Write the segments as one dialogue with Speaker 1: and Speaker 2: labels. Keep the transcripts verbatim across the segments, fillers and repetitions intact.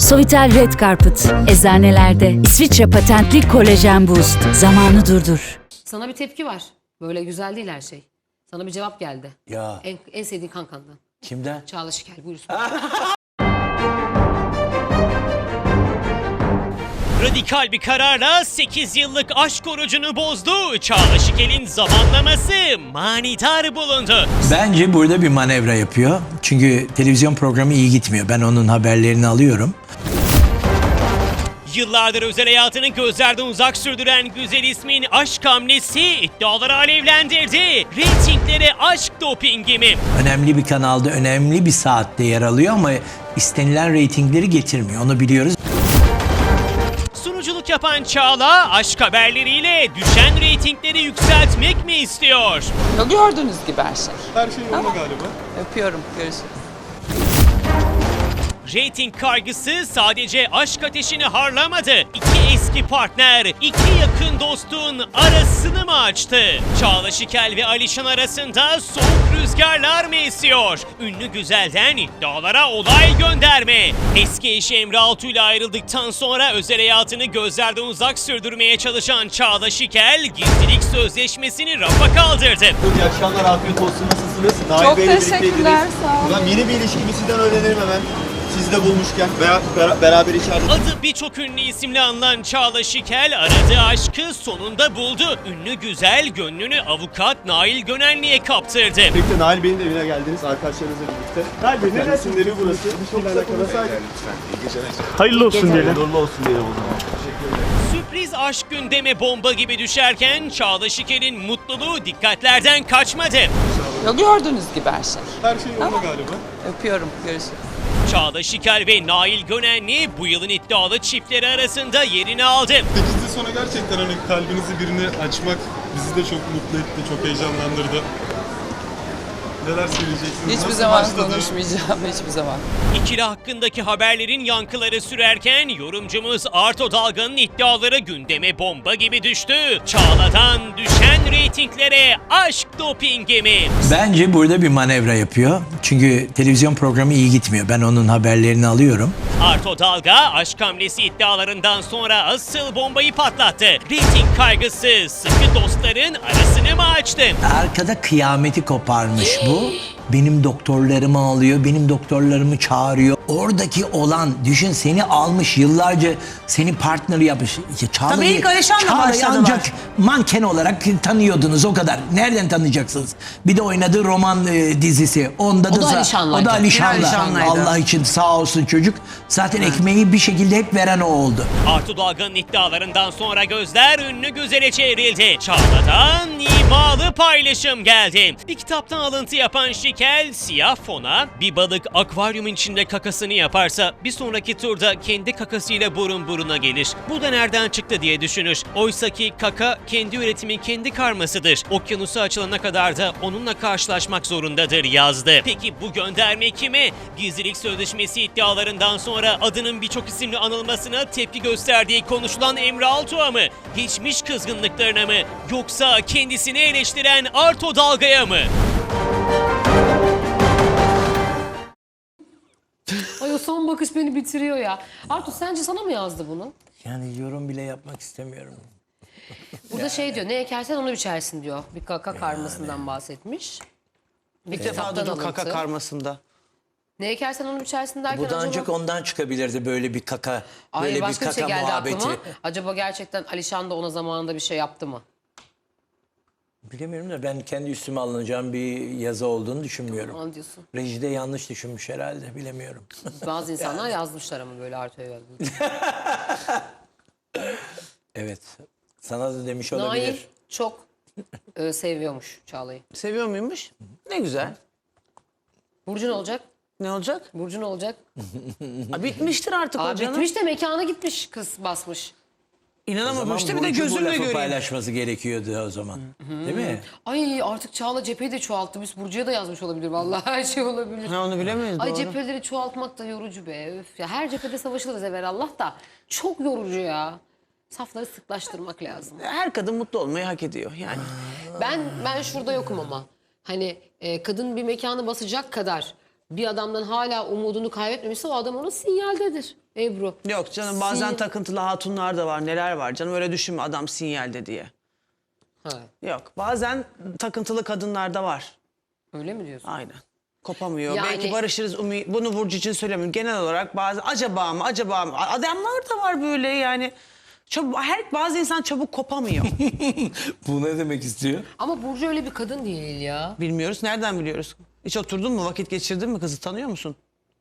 Speaker 1: Sovitel Red Carpet, eczanelerde. İsviçre patentli kolajen boost. Zamanı durdur.
Speaker 2: Sana bir tepki var. Böyle güzel değil her şey. Sana bir cevap geldi.
Speaker 3: Ya.
Speaker 2: En, en sevdiğin kankandan.
Speaker 3: Kimden?
Speaker 2: Çağla Şikel buyursun.
Speaker 4: Radikal bir kararla sekiz yıllık aşk orucunu bozdu. Çağla Şikel'in zamanlaması manidar bulundu.
Speaker 3: Bence burada bir manevra yapıyor. Çünkü televizyon programı iyi gitmiyor. Ben onun haberlerini alıyorum.
Speaker 4: Yıllardır özel hayatını gözlerden uzak sürdüren güzel ismin aşk hamlesi iddiaları alevlendirdi. Reytinglere aşk dopingi mi?
Speaker 3: Önemli bir kanalda, önemli bir saatte yer alıyor ama istenilen reytingleri getirmiyor. Onu biliyoruz.
Speaker 4: Sunuculuk yapan Çağla aşk haberleriyle düşen reytingleri yükseltmek mi istiyor?
Speaker 5: Gördüğünüz gibi her şey.
Speaker 6: Her şey yolunda galiba.
Speaker 5: Öpüyorum. Görüşürüz.
Speaker 4: Reyting kaygısı sadece aşk ateşini harlamadı. İki eski partner, iki yakın dostun arasını mı açtı? Çağla Şikel ve Alişan arasında soğuk rüzgarlar mı esiyor? Ünlü güzelden iddialara olay gönderme. Eski eşi Emre Altuğ ile ayrıldıktan sonra özel hayatını gözlerden uzak sürdürmeye çalışan Çağla Şikel, gizlilik sözleşmesini rafa kaldırdı.
Speaker 6: İyi akşamlar, afiyet olsun. Nasılsınız? Nail
Speaker 5: Çok
Speaker 6: Bey'le
Speaker 5: teşekkürler,
Speaker 6: birlikteydiniz.
Speaker 5: sağ olun.
Speaker 6: Buradan yeni bir ilişkimi sizden öğrenirim hemen. Sizi de bulmuşken veya bera- beraber içeride.
Speaker 4: Adı birçok ünlü isimle anılan Çağla Şikel aradığı aşkı sonunda buldu. Ünlü güzel gönlünü avukat Nail Gönenli'ye kaptırdı.
Speaker 6: Birlikte Nail Bey'in de evine geldiniz arkadaşlarınızla birlikte. Nail Bey, ne dersin evi burası? Çok kısa konuşsaydık.
Speaker 7: Hayırlı olsun diyelim.
Speaker 6: Hayırlı olsun diyelim o zaman.
Speaker 4: Sürpriz aşk gündeme bomba gibi düşerken Çağla Şikel'in mutluluğu dikkatlerden kaçmadı.
Speaker 5: Gördüğünüz gibi her şey.
Speaker 6: Her şey yolunda galiba.
Speaker 5: Öpüyorum. Görüşürüz.
Speaker 4: Çağla Şikel ve Nail Gönenli bu yılın iddialı çiftleri arasında yerini aldı.
Speaker 8: sekiz yıl sonra gerçekten hani kalbinizi birine açmak bizi de çok mutlu etti, çok heyecanlandırdı. Neler söyleyeceksiniz?
Speaker 5: Hiçbir
Speaker 8: Nasıl
Speaker 5: zaman
Speaker 8: başladı?
Speaker 5: konuşmayacağım. Hiçbir zaman.
Speaker 4: İkili hakkındaki haberlerin yankıları sürerken yorumcumuz Arto Dalga'nın iddiaları gündeme bomba gibi düştü. Çağla'dan düşen reytinglere aşk dopingi mi?
Speaker 3: Bence burada bir manevra yapıyor. Çünkü televizyon programı iyi gitmiyor. Ben onun haberlerini alıyorum.
Speaker 4: Arto Dalga aşk hamlesi iddialarından sonra asıl bombayı patlattı. Reyting kaygısı sıkı dostların arasını mı açtı?
Speaker 3: Arkada kıyameti koparmış bu. Benim doktorlarımı alıyor, benim doktorlarımı çağırıyor. Oradaki olan, düşün seni almış yıllarca seni partner yapmış. Ya Çağla'yı-
Speaker 5: Tabii ilk Alişan'la
Speaker 3: Çağla'yı
Speaker 5: başladılar.
Speaker 3: ancak manken olarak tanıyordunuz o kadar. Nereden tanıyacaksınız? Bir de oynadığı roman e, dizisi. Onda
Speaker 2: O da
Speaker 3: za-
Speaker 2: Alişan'laydı.
Speaker 3: O da Alişan'la.
Speaker 5: Yine Alişan'laydı.
Speaker 3: Allah için sağ olsun çocuk. Zaten ekmeği bir şekilde hep veren o oldu.
Speaker 4: Arto Dalga'nın iddialarından sonra gözler ünlü güzele çevrildi. Çağla'dan imalı paylaşım geldi. Bir kitaptan alıntı yapan Şikel siyah fona bir balık akvaryumun içinde kakasını yaparsa bir sonraki turda kendi kakasıyla burun buruna gelir. Bu da nereden çıktı diye düşünür. Oysaki kaka kendi üretimi kendi karmasıdır. Okyanusu açılana kadar da onunla karşılaşmak zorundadır yazdı. Peki bu gönderme kime? Gizlilik sözleşmesi iddialarından sonra adının birçok isimle anılmasına tepki gösterdiği konuşulan Emre Altuğ'a mı? Geçmiş kızgınlıklarına mı? Yoksa kendisini eleştiren Arto Dalga'ya mı?
Speaker 2: Ay o son bakış beni bitiriyor ya. Artu sence sana mı yazdı bunu?
Speaker 3: Yani yorum bile yapmak istemiyorum.
Speaker 2: Burada şey diyor, ne ekersen onu biçersin diyor. Bir kaka karmasından bahsetmiş. Bir
Speaker 5: İlk defa
Speaker 2: kitaptan
Speaker 5: duydum kaka
Speaker 2: alıntı.
Speaker 5: karmasında.
Speaker 2: Ne ekersen onu biçersin derken
Speaker 3: Bu da
Speaker 2: acaba...
Speaker 3: ancak ondan çıkabilirdi böyle bir kaka,
Speaker 2: Ay
Speaker 3: böyle bir
Speaker 2: başka bir
Speaker 3: kaka
Speaker 2: şey geldi
Speaker 3: muhabbeti.
Speaker 2: aklıma. Acaba gerçekten Alişan da ona zamanında bir şey yaptı mı?
Speaker 3: Bilemiyorum da ben kendi üstüme alınacağım bir yazı olduğunu düşünmüyorum.
Speaker 2: Onu diyorsun.
Speaker 3: Rejide yanlış düşünmüş herhalde, bilemiyorum.
Speaker 2: Bazı insanlar yazmışlar ama böyle Artu'ya yazmış.
Speaker 3: Evet, sana da demiş
Speaker 2: Nail
Speaker 3: olabilir.
Speaker 2: çok e, seviyormuş Çağla'yı.
Speaker 5: Seviyor muymuş? Ne güzel.
Speaker 2: Burcu ne olacak?
Speaker 5: Ne olacak?
Speaker 2: Burcu ne olacak?
Speaker 5: Aa, bitmiştir artık
Speaker 2: Aa,
Speaker 5: o canım.
Speaker 2: bitmiş de mekana gitmiş kız basmış.
Speaker 3: O zaman
Speaker 5: İnanamamıştı bir de
Speaker 3: Burcu bu
Speaker 5: gözümle
Speaker 3: lafı
Speaker 5: göreyim.
Speaker 3: paylaşması gerekiyordu o zaman. Değil mi?
Speaker 2: Ay artık Çağla cepheyi de çoğalttı. Biz Burcu'ya da yazmış olabilir vallahi her şey olabilir.
Speaker 5: Ha, onu bilemeyiz.
Speaker 2: Ay
Speaker 5: doğru.
Speaker 2: cepheleri çoğaltmak da yorucu be. Öf ya her cephede savaşılırız evvelallah da. Çok yorucu ya. Safları sıklaştırmak lazım.
Speaker 5: Her kadın mutlu olmayı hak ediyor yani.
Speaker 2: Ben ben şurada yokum ama. Hani e, kadın bir mekanı basacak kadar bir adamdan hala umudunu kaybetmemişse o adam ona sinyaldedir Ebru.
Speaker 5: Yok canım bazen
Speaker 2: Sinyal-
Speaker 5: takıntılı hatunlar da var. Neler var canım öyle düşünme adam sinyalde diye.
Speaker 2: Ha,
Speaker 5: Yok bazen takıntılı kadınlar da var.
Speaker 2: öyle mi diyorsun?
Speaker 5: Aynen. Kopamıyor.
Speaker 2: Yani-
Speaker 5: Belki barışırız. umi- Bunu Burcu için söylemiyorum. Genel olarak bazı acaba mı acaba mı? Adamlar da var böyle yani. Çabuk, her bazı insan çabuk kopamıyor.
Speaker 3: Bu ne demek istiyor?
Speaker 2: Ama Burcu öyle bir kadın değil ya.
Speaker 5: Bilmiyoruz. Nereden biliyoruz? Hiç oturdun mu? Vakit geçirdin mi? Kızı tanıyor musun?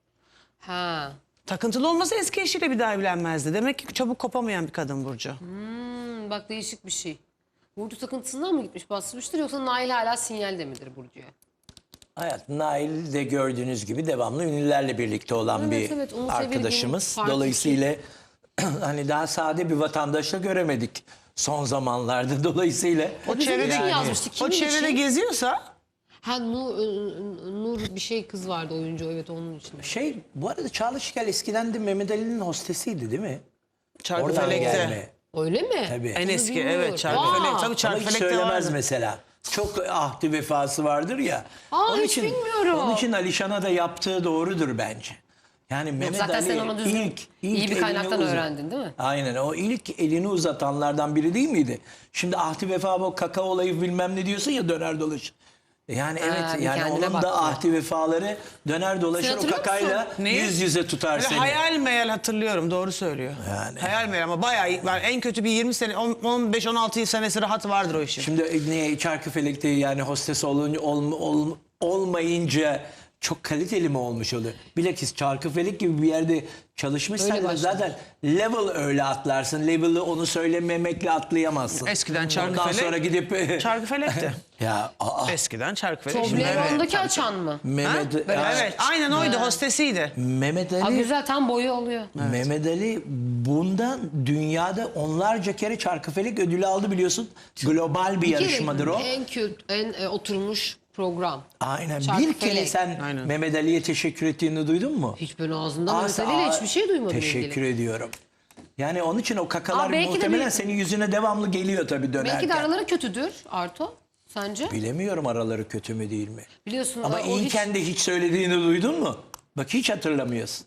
Speaker 2: Ha.
Speaker 5: Takıntılı olmasa eski eşiyle bir daha evlenmezdi. Demek ki çabuk kopamayan bir kadın Burcu.
Speaker 2: Hmm, bak değişik bir şey. Burcu takıntısından mı gitmiş basmıştır yoksa Nail hala sinyalde midir Burcu'ya?
Speaker 3: Hayat Nail de gördüğünüz gibi devamlı ünlülerle birlikte olan
Speaker 2: Evet,
Speaker 3: bir
Speaker 2: evet, Umut
Speaker 3: arkadaşımız.
Speaker 2: Evirgin'in farklı
Speaker 3: Dolayısıyla hani daha sade bir vatandaşla göremedik son zamanlarda. Dolayısıyla
Speaker 5: O
Speaker 2: Bizim
Speaker 5: çevrede,
Speaker 2: için yazmıştık.
Speaker 5: o
Speaker 2: Kimin
Speaker 5: çevrede
Speaker 2: için?
Speaker 5: geziyorsa
Speaker 2: Ha Nur, Nur bir şey kız vardı oyuncu evet onun için.
Speaker 3: şey bu arada Çağla Şikel eskiden de Mehmet Ali'nin hostesiydi değil mi? Oradan
Speaker 5: Çarkıfelek'te.
Speaker 3: gelme.
Speaker 2: Öyle mi?
Speaker 3: Tabii.
Speaker 5: En
Speaker 2: Onu
Speaker 5: eski
Speaker 2: bilmiyorum.
Speaker 5: evet Çarkıfelek.
Speaker 2: Aa!
Speaker 5: Tabii
Speaker 3: Ama hiç
Speaker 5: Çarkıfelek'te
Speaker 3: söylemez
Speaker 5: vardı.
Speaker 3: mesela. Çok ahdi vefası vardır ya.
Speaker 2: Aa, hiç bilmiyorum.
Speaker 3: Onun için Alişan'a da yaptığı doğrudur bence. Yani Mehmet
Speaker 2: zaten
Speaker 3: Ali
Speaker 2: sen onu düzgün,
Speaker 3: ilk, ilk
Speaker 2: iyi bir
Speaker 3: elini
Speaker 2: kaynaktan
Speaker 3: uzat-
Speaker 2: öğrendin değil mi?
Speaker 3: Aynen o ilk elini uzatanlardan biri değil miydi? Şimdi ahdi vefa bu kaka olayı bilmem ne diyorsun ya döner dolaşır. Yani
Speaker 2: Ha,
Speaker 3: evet
Speaker 2: bir
Speaker 3: yani
Speaker 2: kendine
Speaker 3: onun
Speaker 2: baktı.
Speaker 3: da ahdi vefaları döner dolaşır o
Speaker 2: hatırlıyor
Speaker 3: kakayla
Speaker 2: musun?
Speaker 5: Neyi?
Speaker 3: yüz yüze tutar
Speaker 5: Böyle
Speaker 3: seni.
Speaker 5: hayal meyal hatırlıyorum doğru söylüyor.
Speaker 3: Yani.
Speaker 5: Hayal meyal ama bayağı ben en kötü bir yirmi sene on- on beş on altı senesi rahat vardır o işin.
Speaker 3: Şimdi niye Çarkıfelek'te yani hostes olun, ol, ol- olmayınca çok kaliteli mi olmuş oluyor? Bilakis Çarkıfelek gibi bir yerde çalışmışsan
Speaker 2: Öyle
Speaker 3: da
Speaker 2: başladı.
Speaker 3: zaten level öyle atlarsın. Level'ı onu söylememekle atlayamazsın.
Speaker 5: Eskiden
Speaker 3: Ondan
Speaker 5: Çarkıfelek.
Speaker 3: sonra gidip
Speaker 5: Çarkıfelek'te.
Speaker 3: ya aa,
Speaker 5: Eskiden Çarkıfelek. Şimdi evet.
Speaker 2: Toblerone'daki açan mı?
Speaker 5: Ha?
Speaker 3: Mehmet,
Speaker 5: Böyle,
Speaker 3: ya,
Speaker 5: evet aynen oydu hostesiydi.
Speaker 3: Mehmet
Speaker 2: Aa,
Speaker 3: Ali
Speaker 2: güzel tam boyu oluyor.
Speaker 3: Mehmet Ali bundan dünyada onlarca kere Çarkıfelek ödülü aldı biliyorsun. Global bir yarışmadır o.
Speaker 2: En kült, en e, oturmuş program.
Speaker 3: Aynen. Bir
Speaker 2: Çarkıfelek.
Speaker 3: kere sen
Speaker 5: Aynen.
Speaker 3: Mehmet Ali'ye teşekkür ettiğini duydun mu?
Speaker 2: Hiç böyle ağzından
Speaker 3: Aa,
Speaker 2: meseleyle
Speaker 3: aa,
Speaker 2: hiçbir şey duymadım
Speaker 3: Teşekkür
Speaker 2: ilgili.
Speaker 3: ediyorum. Yani onun için o kakalar
Speaker 2: Aa, belki de
Speaker 3: muhtemelen
Speaker 2: bir-
Speaker 3: senin yüzüne devamlı geliyor tabii dönerken.
Speaker 2: Belki de araları kötüdür Arto. Sence?
Speaker 3: Bilemiyorum araları kötü mü değil mi?
Speaker 2: Biliyorsun
Speaker 3: Ama
Speaker 2: o hiç...
Speaker 3: iyiyken de hiç söylediğini duydun mu? Bak hiç hatırlamıyorsun.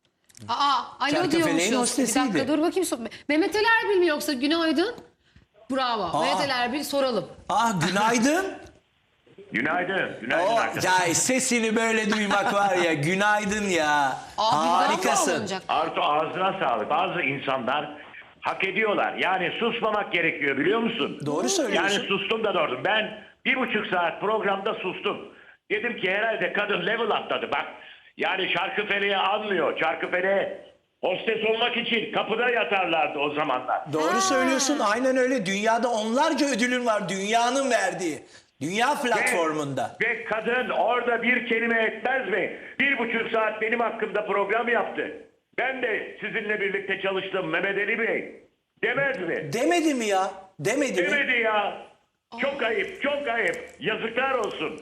Speaker 2: Aa, alo
Speaker 3: Çarkıfeleğin
Speaker 2: diyormuşuz. Bir
Speaker 3: hostesiydi.
Speaker 2: dakika dur bakayım. sor- Mehmet Ali Erbil mi yoksa günaydın? Bravo. Mehmet Ali Erbil soralım.
Speaker 3: Ah günaydın.
Speaker 9: Günaydın. Günaydın
Speaker 3: o,
Speaker 9: arkadaşlar.
Speaker 3: ya sesini böyle duymak var ya günaydın ya.
Speaker 2: Aa, birden mi
Speaker 3: Harikasın.
Speaker 2: alınacak?
Speaker 9: Artu ağzına sağlık. Bazı insanlar hak ediyorlar. Yani susmamak gerekiyor biliyor musun?
Speaker 3: Doğru söylüyorsun.
Speaker 9: Yani sustum da doğru. Ben bir buçuk saat programda sustum. Dedim ki herhalde kadın level atladı. Bak yani Çarkıfele'ye anmıyor. Çarkıfele'ye hostes olmak için kapıda yatarlardı o zamanlar.
Speaker 3: Doğru söylüyorsun aynen öyle. Dünyada onlarca ödülün var dünyanın verdiği. Dünya platformunda.
Speaker 9: Ve, ve kadın orada bir kelime etmez mi? Bir buçuk saat benim hakkımda program yaptı. Ben de sizinle birlikte çalıştım Mehmet Ali Bey. Demez mi?
Speaker 3: Demedi mi ya? Demedi mi?
Speaker 9: Demedi ya. Çok ayıp, çok ayıp. Yazıklar olsun.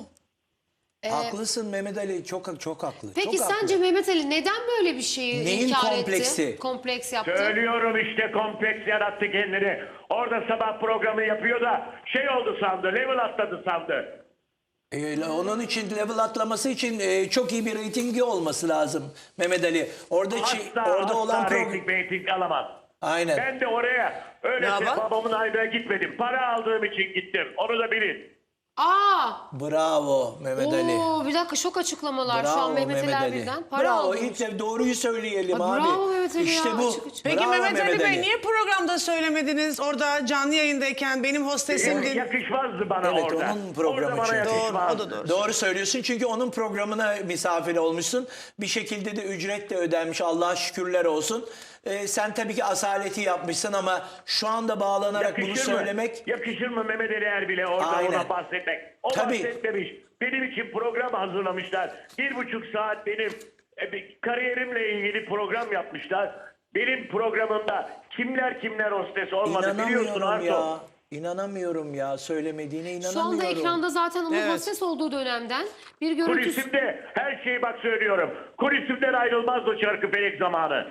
Speaker 3: Haklısın Mehmet Ali çok çok haklı.
Speaker 2: Peki
Speaker 3: çok
Speaker 2: sence
Speaker 3: haklı.
Speaker 2: Mehmet Ali neden böyle bir şeyi
Speaker 3: Neyin
Speaker 2: inkar
Speaker 3: kompleksi?
Speaker 2: etti? Kompleks yaptı.
Speaker 9: Söylüyorum işte kompleks yarattı kendini. Orada sabah programı yapıyor da şey oldu sandı, level atladı sandı.
Speaker 3: Ee, onun için level atlaması için e, çok iyi bir reytingi olması lazım Mehmet Ali. Orada çi-
Speaker 9: Asla,
Speaker 3: orada
Speaker 9: asla
Speaker 3: olan program.
Speaker 9: reyting reyting alamaz.
Speaker 3: Aynen.
Speaker 9: Ben de oraya öylece
Speaker 5: Ne yapar?
Speaker 9: babamın ayda gitmedim. Para aldığım için gittim. Onu da bilin.
Speaker 2: Aa!
Speaker 3: Bravo Mehmet Ali.
Speaker 2: Oo, bir dakika şok açıklamalar şu an
Speaker 3: Bravo
Speaker 2: Mehmet Ali
Speaker 3: Mehmet Ali.
Speaker 2: Erbil'den. Para
Speaker 3: Bravo
Speaker 2: aldım.
Speaker 3: ilk de doğruyu söyleyelim
Speaker 2: Aa,
Speaker 3: abi.
Speaker 2: bravo Mehmet Ali
Speaker 3: İşte
Speaker 2: ya,
Speaker 3: bu.
Speaker 2: açık açık.
Speaker 5: Peki
Speaker 3: Bravo
Speaker 5: Mehmet Ali Bey
Speaker 3: Ali.
Speaker 5: niye programda söylemediniz? Orada canlı yayındayken benim hostesimdin.
Speaker 9: Yakışmazdı bana
Speaker 3: Evet,
Speaker 9: orada.
Speaker 3: onun programı
Speaker 9: orada bana
Speaker 3: çünkü.
Speaker 5: Doğru,
Speaker 9: yakışmazdı.
Speaker 5: o da doğru.
Speaker 3: Doğru söylüyorsun çünkü onun programına misafir olmuşsun. Bir şekilde de ücret de ödenmiş Allah'a şükürler olsun. Ee, sen tabii ki asaleti yapmışsın ama şu anda bağlanarak bunu
Speaker 9: Yakışır mı?
Speaker 3: söylemek...
Speaker 9: Yakışır mı Mehmet Ali Erbil'e orada
Speaker 3: Aynen.
Speaker 9: ona bahsetmek? O
Speaker 3: Tabii.
Speaker 9: bahsetmemiş. Benim için program hazırlamışlar. Bir buçuk saat benim e, bir kariyerimle ilgili program yapmışlar. Benim programımda kimler kimler hostes olmadı biliyorsun
Speaker 3: İnanamıyorum
Speaker 9: Arto.
Speaker 3: ya. İnanamıyorum ya. Söylemediğine inanamıyorum.
Speaker 2: Şu anda ekranda zaten onun
Speaker 5: Evet.
Speaker 2: hostes olduğu dönemden bir görüntü.
Speaker 9: Kulisimde her şeyi bak söylüyorum. Kulisimden ayrılmaz o Çarkıfelek zamanı.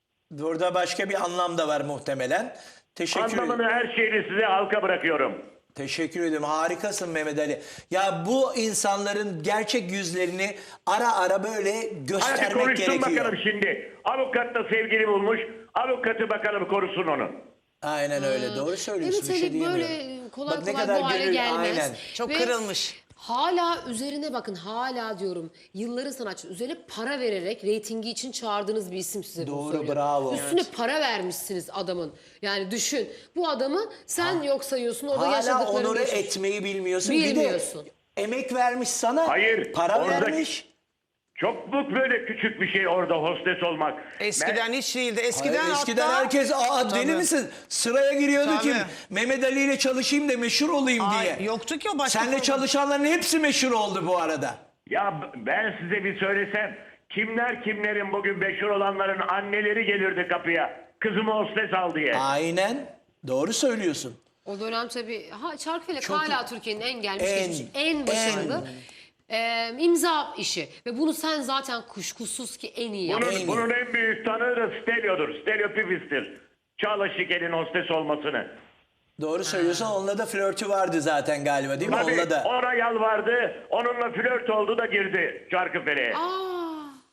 Speaker 3: Burada başka bir anlam da var muhtemelen. Teşekkür ederim.
Speaker 9: Anlamını her şeyini size halka bırakıyorum.
Speaker 3: Teşekkür ederim. Harikasın Mehmet Ali. Ya bu insanların gerçek yüzlerini ara ara böyle
Speaker 9: Hadi
Speaker 3: göstermek
Speaker 9: konuşsun
Speaker 3: gerekiyor.
Speaker 9: bakalım şimdi. Avukat da sevgili bulmuş. Avukatı bakalım korusun onu.
Speaker 3: Aynen öyle. Doğru söylüyorsun.
Speaker 2: Evet
Speaker 3: Bir şey
Speaker 2: Ali böyle
Speaker 3: diyemiyorum.
Speaker 2: kolay
Speaker 3: Bak ne
Speaker 2: kolay
Speaker 3: kadar
Speaker 2: bu hale
Speaker 3: gönül-
Speaker 2: gelmez.
Speaker 3: Aynen.
Speaker 5: Çok
Speaker 2: Ve
Speaker 5: kırılmış.
Speaker 2: Hala üzerine bakın, hala diyorum, yılların sanatçısı üzerine para vererek reytingi için çağırdığınız bir isim size bunu
Speaker 3: Doğru,
Speaker 2: söylüyor.
Speaker 3: bravo.
Speaker 2: Üstüne para vermişsiniz adamın. Yani düşün, bu adamı sen yok sayıyorsun, o da
Speaker 3: Hala
Speaker 2: yaşadıklarını
Speaker 3: onore
Speaker 2: geçmiş.
Speaker 3: etmeyi bilmiyorsun.
Speaker 2: Bilmiyorsun.
Speaker 3: Bir de emek vermiş sana.
Speaker 9: Hayır,
Speaker 3: Para
Speaker 9: orada-
Speaker 3: vermiş.
Speaker 9: Çok mu böyle küçük bir şey orada hostes olmak?
Speaker 5: Eskiden hiç değildi. Eskiden,
Speaker 3: Hayır, eskiden
Speaker 5: hatta...
Speaker 3: herkes aa deli
Speaker 5: Tabii.
Speaker 3: misin? Sıraya giriyordu
Speaker 5: Tabii.
Speaker 3: ki Mehmet Ali ile çalışayım da meşhur olayım
Speaker 5: Ay,
Speaker 3: diye.
Speaker 5: yoktu ki o başka
Speaker 3: Seninle
Speaker 5: program.
Speaker 3: çalışanların hepsi meşhur oldu bu arada.
Speaker 9: Ya b- ben size bir söylesem, kimler kimlerin bugün meşhur olanların anneleri gelirdi kapıya. Kızımı hostes al diye.
Speaker 3: Aynen. Doğru söylüyorsun.
Speaker 2: O dönem tabii, ha Çarkıfelek
Speaker 3: Çok-
Speaker 2: hala Türkiye'nin en gelmiş
Speaker 3: En,
Speaker 2: geçmiş, en başarılı e, imza işi. Ve bunu sen zaten kuşkusuz ki en iyi
Speaker 9: Bunun,
Speaker 2: yaptın.
Speaker 3: En iyi.
Speaker 9: bunun en büyük tanığı da Stelio'dur. Stelio Pipis'tir. Çağla Şikel'in hostes olmasını.
Speaker 3: Doğru söylüyorsun. Onunla da flörtü vardı zaten galiba değil mi?
Speaker 9: Tabii
Speaker 3: Onunla da.
Speaker 9: ona yalvardı. Onunla flört oldu da girdi Çarkıfele'ye.
Speaker 2: Aa,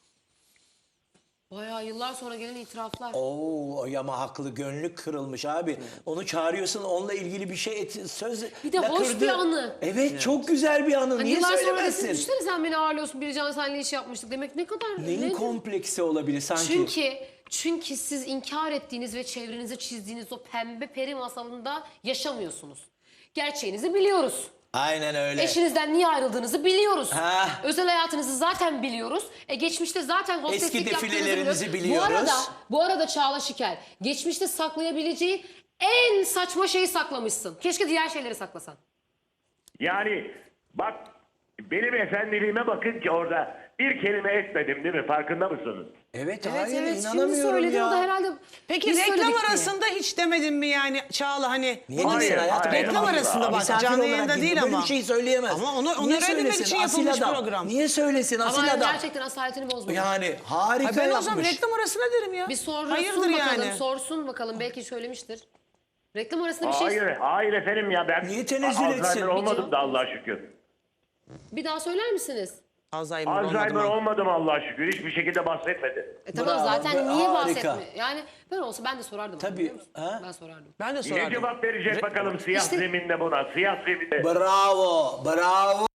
Speaker 2: bayağı yıllar sonra gelen itiraflar.
Speaker 3: Oo ama haklı, gönlü kırılmış abi. Onu çağırıyorsun, onunla ilgili bir şey et, söz
Speaker 2: Bir de hoş
Speaker 3: lakırdı.
Speaker 2: bir anı.
Speaker 3: Evet, çok güzel bir anı.
Speaker 2: Hani
Speaker 3: Niye
Speaker 2: yıllar sonra
Speaker 3: söylemezsin?
Speaker 2: desin, düşünsene sen beni ağırlıyorsun, Bircan senle iş yapmıştık demek ne kadar...
Speaker 3: Neyin
Speaker 2: ne-
Speaker 3: kompleksi olabilir sanki?
Speaker 2: Çünkü çünkü siz inkar ettiğiniz ve çevrenize çizdiğiniz o pembe peri masalında yaşamıyorsunuz. Gerçeğinizi biliyoruz.
Speaker 3: Aynen öyle.
Speaker 2: Eşinizden niye ayrıldığınızı biliyoruz.
Speaker 3: Ha.
Speaker 2: Özel hayatınızı zaten biliyoruz. E geçmişte zaten hosteslik
Speaker 3: Eski
Speaker 2: yaptığınızı
Speaker 3: defilelerinizi
Speaker 2: biliyoruz.
Speaker 3: biliyoruz.
Speaker 2: Bu arada, bu arada Çağla Şikel, geçmişte saklayabileceği en saçma şeyi saklamışsın. Keşke diğer şeyleri saklasan.
Speaker 9: Yani bak benim efendiliğime bakın ki orada bir kelime etmedim değil mi? Farkında mısınız?
Speaker 3: Evet,
Speaker 2: Evet
Speaker 3: hayır
Speaker 2: evet, şimdi
Speaker 3: inanamıyorum
Speaker 2: söyledin,
Speaker 3: ya.
Speaker 2: o da herhalde...
Speaker 5: Peki
Speaker 2: biz
Speaker 5: reklam
Speaker 2: söyledik diye.
Speaker 5: arasında hiç demedin mi yani Çağla hani?
Speaker 3: Niye
Speaker 5: bunu-
Speaker 3: demesin hayatım?
Speaker 9: hayır.
Speaker 5: Reklam
Speaker 9: Hayır.
Speaker 5: arasında bak
Speaker 3: Misafir
Speaker 5: canlı
Speaker 3: olarak
Speaker 5: yayında
Speaker 3: gitti,
Speaker 5: değil
Speaker 3: böyle
Speaker 5: ama.
Speaker 3: bir şey söyleyemez.
Speaker 5: Ama onu- onu
Speaker 3: Niye
Speaker 5: öğrenmemek
Speaker 3: söylesin?
Speaker 5: için
Speaker 3: Asil
Speaker 5: yapılmış
Speaker 3: adam.
Speaker 5: program.
Speaker 3: Niye söylesin asil
Speaker 2: Ama
Speaker 3: adam?
Speaker 2: gerçekten asaletini bozmadı.
Speaker 3: Yani harika
Speaker 5: Ay ben
Speaker 3: yapmış.
Speaker 5: o zaman reklam arasına derim ya.
Speaker 2: Bir sorsun
Speaker 5: Hayırdır
Speaker 2: bakalım,
Speaker 5: yani.
Speaker 2: sorsun bakalım, belki söylemiştir. Reklam arasında bir şey...
Speaker 9: Hayır, hayır efendim ya ben
Speaker 3: Niye tenezzül
Speaker 9: Alzheimer
Speaker 3: etsin?
Speaker 9: olmadım da Allah'a şükür.
Speaker 2: Bir daha söyler misiniz?
Speaker 5: Alzheimer,
Speaker 9: Alzheimer
Speaker 5: olmadı mı?
Speaker 9: olmadım Allah'a şükür. Hiçbir şekilde bahsetmedi.
Speaker 2: E tamam,
Speaker 3: Bravo,
Speaker 2: zaten
Speaker 3: be-
Speaker 2: niye
Speaker 3: harika.
Speaker 2: bahsetme? Yani ben olsa ben de sorardım.
Speaker 3: Tabii,
Speaker 2: biliyor musun?
Speaker 3: ha?
Speaker 2: Ben sorardım.
Speaker 5: Ben de
Speaker 9: Ne
Speaker 5: sorardım.
Speaker 9: cevap verecek bakalım siyah
Speaker 2: İşte-
Speaker 9: zeminde buna? Siyah zeminde.
Speaker 3: Bravo, bravo.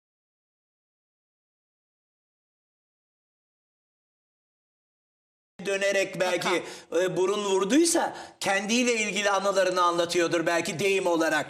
Speaker 3: Dönerek belki e, burun vurduysa kendiyle ilgili anılarını anlatıyordur belki deyim olarak.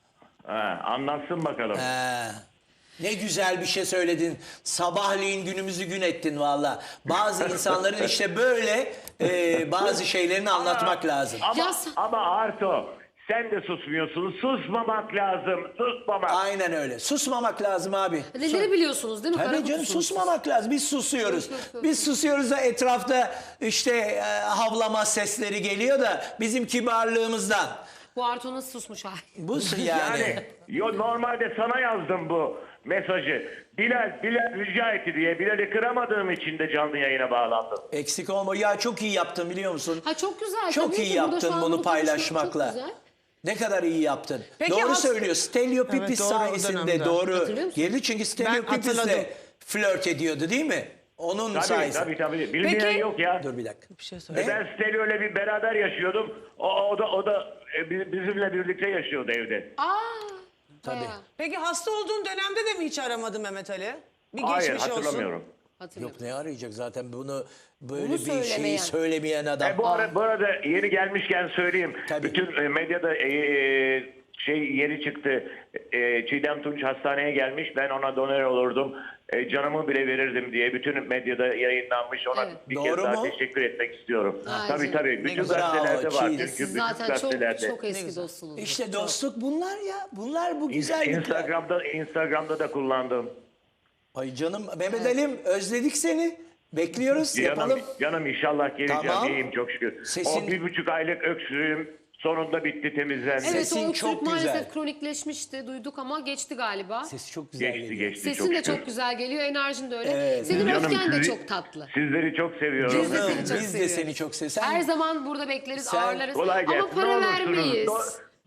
Speaker 9: Ha, anlatsın bakalım.
Speaker 3: He. Ne güzel bir şey söyledin. Sabahleyin günümüzü gün ettin valla. Bazı insanların işte böyle e, bazı şeylerini anlatmak lazım.
Speaker 9: Ama,
Speaker 2: Ya sen-
Speaker 9: ama Arto sen de susmuyorsun. Susmamak lazım. Susmamak.
Speaker 3: Aynen öyle. Susmamak lazım abi.
Speaker 2: Neleri biliyorsunuz değil mi?
Speaker 3: Tabii
Speaker 2: Kara
Speaker 3: canım,
Speaker 2: kutusunuz.
Speaker 3: susmamak lazım. Biz susuyoruz. Biz susuyoruz da etrafta işte e, havlama sesleri geliyor da bizim kibarlığımızdan.
Speaker 2: Bu Arto'nun susmuş hali.
Speaker 3: Bu yani.
Speaker 9: Yani yo, normalde sana yazdım bu mesajı. Bilal, Bilal rica etti diye. Bilal'i kıramadığım için de canlı yayına bağlandım.
Speaker 3: Eksik olma. Ya çok iyi yaptın biliyor musun?
Speaker 2: Ha çok güzel.
Speaker 3: Çok
Speaker 2: tabii
Speaker 3: iyi
Speaker 2: ki. Burada
Speaker 3: yaptın
Speaker 2: şu an
Speaker 3: bunu
Speaker 2: konuşmak
Speaker 3: paylaşmakla.
Speaker 2: Çok güzel.
Speaker 3: Ne kadar iyi yaptın.
Speaker 5: Peki
Speaker 3: doğru
Speaker 5: has-
Speaker 3: söylüyor. Stelio
Speaker 5: Evet,
Speaker 3: Pipis
Speaker 5: doğru, o
Speaker 3: sayesinde
Speaker 5: dönemde.
Speaker 3: doğru
Speaker 2: Hatırlıyor musun?
Speaker 3: geldi. Çünkü Stelio
Speaker 5: Ben
Speaker 3: Pipis'le
Speaker 5: hatırladım.
Speaker 3: flört ediyordu değil mi? Onun
Speaker 9: Tabii
Speaker 3: sayesinde.
Speaker 9: tabii tabii. Bilmeyen
Speaker 5: Peki-
Speaker 9: yok ya.
Speaker 3: Dur bir dakika.
Speaker 5: Bir şey söyle.
Speaker 9: E ben Stelio'yla bir beraber yaşıyordum. O, o da o da e, bi- bizimle birlikte yaşıyordu evde.
Speaker 2: Aa.
Speaker 3: Tabii.
Speaker 2: bayağı.
Speaker 5: Peki hasta olduğun dönemde de mi hiç aramadın Mehmet Ali? Bir
Speaker 9: Hayır
Speaker 5: geçmiş olsun.
Speaker 9: hatırlamıyorum.
Speaker 2: Hatırlıyorum.
Speaker 3: Yok ne arayacak zaten bunu böyle
Speaker 2: Bunu
Speaker 3: bir şeyi
Speaker 2: söylemeyen.
Speaker 3: söylemeyen adam.
Speaker 9: E, bu, ara, bu arada yeni gelmişken söyleyeyim.
Speaker 3: Tabii.
Speaker 9: Bütün e, medyada e, e, şey yeri çıktı. E, Çiğdem Tunç hastaneye gelmiş. Ben ona donör olurdum. E, canımı bile verirdim diye bütün medyada yayınlanmış. Ona
Speaker 2: Evet.
Speaker 9: bir
Speaker 3: Doğru
Speaker 9: kez daha
Speaker 3: mu?
Speaker 9: teşekkür etmek istiyorum.
Speaker 2: Ay
Speaker 9: tabii
Speaker 2: canım.
Speaker 9: tabii. Bütün
Speaker 3: güzel.
Speaker 9: gazetelerde
Speaker 3: Bravo,
Speaker 9: var.
Speaker 3: Çiğdem.
Speaker 9: Çünkü
Speaker 2: Siz
Speaker 9: bütün
Speaker 2: zaten çok
Speaker 9: gazetelerde.
Speaker 2: çok eski dostsunuz.
Speaker 3: İşte dostluk bunlar ya. Bunlar bu güzellikler.
Speaker 9: Instagram'da Instagram'da da kullandım.
Speaker 3: Ay canım Mehmet Ali'm özledik seni. Bekliyoruz
Speaker 9: Canım,
Speaker 3: yapalım.
Speaker 9: canım inşallah geleceğim.
Speaker 3: Tamam.
Speaker 9: İyiyim çok şükür.
Speaker 3: Sesin-
Speaker 9: O bir buçuk aylık öksürüğüm sonunda bitti, temizlendi.
Speaker 2: Evet,
Speaker 3: Sesin
Speaker 2: o öksürük
Speaker 3: çok
Speaker 2: maalesef
Speaker 3: güzel.
Speaker 2: kronikleşmişti. Duyduk ama geçti galiba.
Speaker 3: Sesi çok güzel
Speaker 9: Geçti
Speaker 3: geliyor.
Speaker 9: geçti
Speaker 2: Sesin de
Speaker 9: şükür.
Speaker 2: çok güzel geliyor, enerjin de öyle.
Speaker 3: Evet.
Speaker 2: Senin
Speaker 9: Canım,
Speaker 2: öfken de
Speaker 9: sizi-
Speaker 2: çok tatlı.
Speaker 9: Sizleri çok seviyorum.
Speaker 2: Biz de
Speaker 3: Canım,
Speaker 2: seni çok
Speaker 3: biz de
Speaker 2: seviyoruz.
Speaker 3: seni çok seviyoruz. Sen-
Speaker 2: Her zaman burada bekleriz,
Speaker 3: Sen-
Speaker 2: ağırlarız.
Speaker 9: Kolay gelsin.
Speaker 2: Ama para
Speaker 9: Ne olursunuz.
Speaker 2: vermeyiz.
Speaker 9: Do-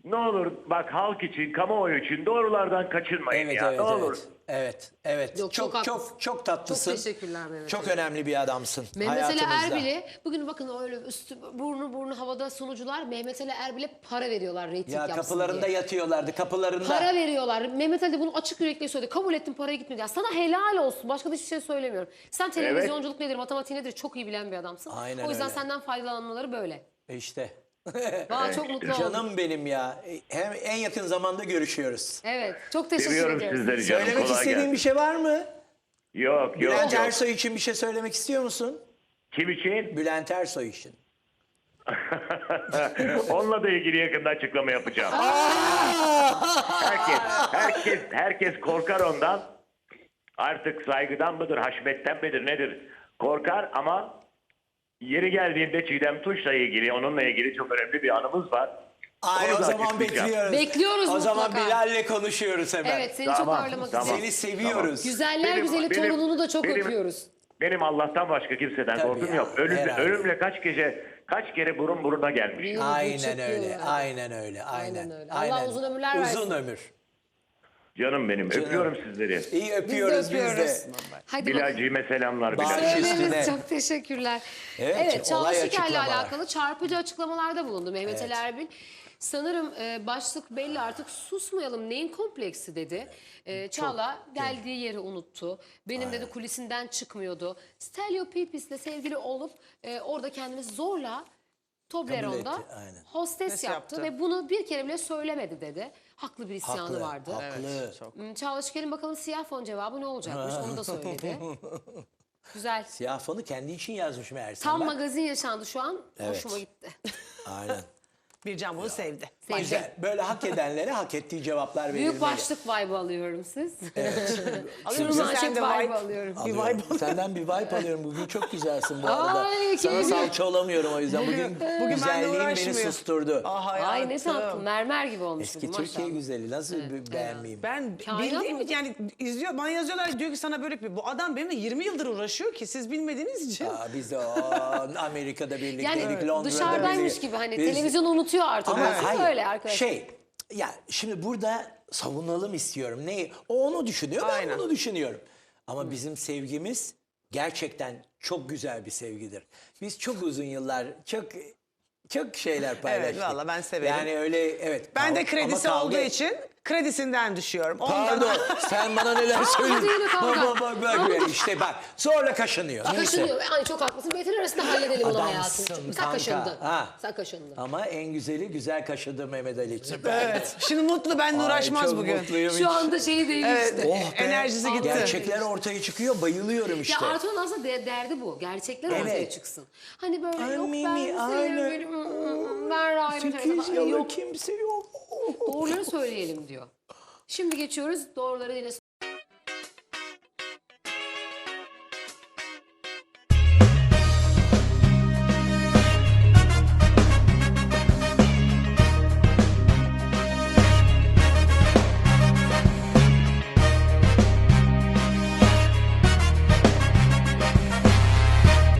Speaker 9: ne olur bak halk için, kamuoyu için doğrulardan kaçınmayın
Speaker 3: Evet
Speaker 9: ya.
Speaker 3: evet
Speaker 9: ne olur.
Speaker 3: evet. Evet evet.
Speaker 2: Yok, çok
Speaker 3: çok çok
Speaker 2: haklısın.
Speaker 3: çok tatlısın.
Speaker 2: Çok teşekkürler Mehmet
Speaker 3: Çok
Speaker 2: Ali.
Speaker 3: önemli bir adamsın
Speaker 2: Mehmet Ali
Speaker 3: hayatımızda.
Speaker 2: Erbil'e bugün bakın öyle üstü burnu burnu havada sunucular Mehmet Ali Erbil'e para veriyorlar reyting
Speaker 3: Ya
Speaker 2: yapsın
Speaker 3: kapılarında
Speaker 2: diye.
Speaker 3: yatıyorlardı kapılarında.
Speaker 2: Para veriyorlar. Mehmet Ali de bunu açık yürekli söyledi. Kabul ettim, paraya gitmedi. Ya sana helal olsun. Başka da hiçbir şey söylemiyorum. Sen televizyonculuk nedir, matematik nedir çok iyi bilen bir adamsın.
Speaker 3: Aynen
Speaker 2: o yüzden
Speaker 3: öyle.
Speaker 2: senden faydalanmaları böyle.
Speaker 3: E İşte.
Speaker 2: Valla çok mutlu oldum.
Speaker 3: Canım benim ya. Hem en yakın zamanda görüşüyoruz.
Speaker 2: Evet. Çok teşekkür
Speaker 9: Seviyorum
Speaker 2: ederim.
Speaker 9: sizleri canım.
Speaker 3: Söylemek
Speaker 9: Kolay
Speaker 3: istediğin
Speaker 9: gelsin.
Speaker 3: bir şey var mı?
Speaker 9: Yok yok
Speaker 3: Bülent
Speaker 9: yok.
Speaker 3: Ersoy için bir şey söylemek istiyor musun?
Speaker 9: Kim için?
Speaker 3: Bülent Ersoy için.
Speaker 9: Onunla da ilgili yakında açıklama yapacağım. herkes, herkes, herkes korkar ondan. Artık saygıdan mıdır, haşmetten midir, nedir? Korkar ama yeri geldiğinde Çiğdem Tunç'la ilgili, onunla ilgili çok önemli bir anımız var.
Speaker 3: Ay
Speaker 9: Onu
Speaker 3: o
Speaker 9: da
Speaker 3: zaman
Speaker 9: açıklayacağım.
Speaker 3: bekliyoruz.
Speaker 2: Bekliyoruz
Speaker 3: O zaman
Speaker 2: mutlaka.
Speaker 3: Bilal'le konuşuyoruz hemen.
Speaker 2: Evet seni
Speaker 9: Tamam,
Speaker 2: çok ağırlamak
Speaker 9: tamam.
Speaker 2: istedim.
Speaker 3: Seni seviyoruz.
Speaker 2: Güzeller
Speaker 9: Benim-
Speaker 2: güzeli
Speaker 9: benim-
Speaker 2: torununu da çok
Speaker 9: benim-
Speaker 2: öpüyoruz.
Speaker 9: Benim Allah'tan başka kimseden
Speaker 3: Tabii
Speaker 9: korkum
Speaker 3: ya,
Speaker 9: yok. Ölüm,
Speaker 3: herhalde.
Speaker 9: ölümle kaç gece, kaç kere burun buruna gelmiş.
Speaker 2: Bir yıl,
Speaker 3: Aynen
Speaker 2: buçuk
Speaker 3: öyle.
Speaker 2: yıl.
Speaker 3: Aynen öyle. Aynen.
Speaker 2: Aynen öyle. Allah uzun ömürler versin.
Speaker 3: Uzun ömür.
Speaker 9: Canım benim, öpüyorum sizleri.
Speaker 3: İyi
Speaker 2: Biz de
Speaker 3: öpüyoruz biz de.
Speaker 2: öpüyoruz. Hadi bakalım.
Speaker 9: Bilal'cime selamlar.
Speaker 3: Baş
Speaker 9: Bilal.
Speaker 3: üstüne.
Speaker 2: Söyleriz. Çok teşekkürler.
Speaker 3: Evet,
Speaker 2: Evet, Çağla
Speaker 3: olay
Speaker 2: Şiker'le
Speaker 3: açıklamalar.
Speaker 2: alakalı çarpıcı açıklamalarda bulundu Mehmet Ali Erbil. Sanırım e, başlık belli artık susmayalım neyin kompleksi dedi. E, Çağla geldiği yeri unuttu. Benim dedi kulisinden çıkmıyordu. Stelio Pipis'le sevgili olup e, orada kendini zorla Toblerone'da
Speaker 3: etti, aynen.
Speaker 2: hostes
Speaker 5: Hostes
Speaker 2: yaptı,
Speaker 5: yaptı.
Speaker 2: ve bunu bir kere bile söylemedi dedi. Haklı bir isyanı
Speaker 3: Haklı.
Speaker 2: vardı.
Speaker 3: Haklı.
Speaker 2: Hmm, Çağla Şikel'in bakalım siyah fon cevabı ne olacakmış onu da söyledi. Güzel.
Speaker 3: Siyah fonu kendi için yazmış meğerse.
Speaker 2: Tam
Speaker 3: Bak.
Speaker 2: magazin yaşandı şu an.
Speaker 3: Evet.
Speaker 2: Hoşuma gitti.
Speaker 3: Aynen.
Speaker 5: Bircan bunu sevdi.
Speaker 2: Sevdim.
Speaker 3: Güzel. Böyle hak edenlere hak ettiği cevaplar verilmeli.
Speaker 2: Büyük başlık vibe alıyorum siz.
Speaker 5: Alıyor
Speaker 2: Şunu
Speaker 5: musun sen
Speaker 2: manşet
Speaker 5: de
Speaker 2: vibe
Speaker 5: vibe?
Speaker 2: alıyorum.
Speaker 5: Bir
Speaker 3: Alıyorum.
Speaker 5: vibe.
Speaker 3: Senden bir vibe alıyorum. Bugün çok güzelsin bu arada.
Speaker 2: Ay,
Speaker 3: Sana
Speaker 2: kim
Speaker 3: salça olamıyorum o yüzden. Bugün,
Speaker 5: Bugün benimle
Speaker 3: güzelliğin beni
Speaker 5: uğraşmıyor.
Speaker 3: susturdu.
Speaker 5: Ah
Speaker 2: Ay ne
Speaker 5: hayatım.
Speaker 2: tatlı. Mermer gibi olmuş
Speaker 3: Eski
Speaker 2: bugün
Speaker 3: Türkiye
Speaker 2: maşallah.
Speaker 3: güzeli. Nasıl bir beğenmeyeyim?
Speaker 5: Ben
Speaker 2: Kainat
Speaker 5: bildiğim
Speaker 2: mı?
Speaker 5: yani izliyor bana yazıyorlar diyor ki sana böyle bir bu adam benimle yirmi yıldır uğraşıyor ki siz bilmediğiniz için.
Speaker 3: Aa, biz de o, Amerika'da birlikteydik,
Speaker 2: Yani
Speaker 3: Londra'da
Speaker 2: dışarıdaymış
Speaker 3: birlikte.
Speaker 2: gibi hani
Speaker 3: Biz-
Speaker 2: televizyonu unutuyor artık.
Speaker 3: Ama
Speaker 2: Nasıl
Speaker 3: hayır,
Speaker 2: öyle arkadaşlar?
Speaker 3: şey, ya şimdi burada savunalım istiyorum. Neyi? O onu düşünüyor, ben
Speaker 5: Aynen.
Speaker 3: bunu düşünüyorum. Ama bizim sevgimiz gerçekten çok güzel bir sevgidir. Biz çok uzun yıllar, çok çok şeyler paylaştık.
Speaker 5: valla ben severim.
Speaker 3: Yani öyle, evet.
Speaker 5: Ben de
Speaker 3: Ama
Speaker 5: kredisi
Speaker 3: kavga-
Speaker 5: olduğu için kredisinden düşüyorum. Ondan
Speaker 3: Pardon, sen bana neler söylüyorsun?
Speaker 2: yine kavga.
Speaker 3: Bak bak bak, bak. işte bak, zorla kaşınıyor. Neyse.
Speaker 2: Kaşınıyor. Ay çok haklısın. Beytin arasında halledelim onu hayatım.
Speaker 3: Adamsın
Speaker 2: Sen
Speaker 3: kanka.
Speaker 2: kaşındın.
Speaker 3: Ha.
Speaker 2: Sen kaşındın.
Speaker 3: Ama en güzeli güzel kaşıdı Mehmet Ali için.
Speaker 5: Evet. Şimdi mutlu benimle
Speaker 3: Ay,
Speaker 5: uğraşmaz
Speaker 3: çok
Speaker 5: bugün.
Speaker 3: mutluyum
Speaker 2: Şu
Speaker 3: hiç.
Speaker 2: anda şeyi değişti.
Speaker 5: Evet.
Speaker 3: Oh be,
Speaker 5: Enerjisi gitti.
Speaker 3: Gerçekler ortaya çıkıyor, bayılıyorum işte.
Speaker 2: Ya Artu'nun aslında de- derdi bu. Gerçekler
Speaker 3: Evet.
Speaker 2: ortaya çıksın. Hani böyle
Speaker 3: Ay,
Speaker 2: yok
Speaker 3: Mimi,
Speaker 2: ben seni
Speaker 3: aynen.
Speaker 2: böyle mm, mm, ben ayrı
Speaker 3: Sekiz
Speaker 2: tarafı-
Speaker 3: yıllık
Speaker 2: yok.
Speaker 3: kimse yok.
Speaker 2: Doğruları söyleyelim diyor. Şimdi geçiyoruz doğruları yine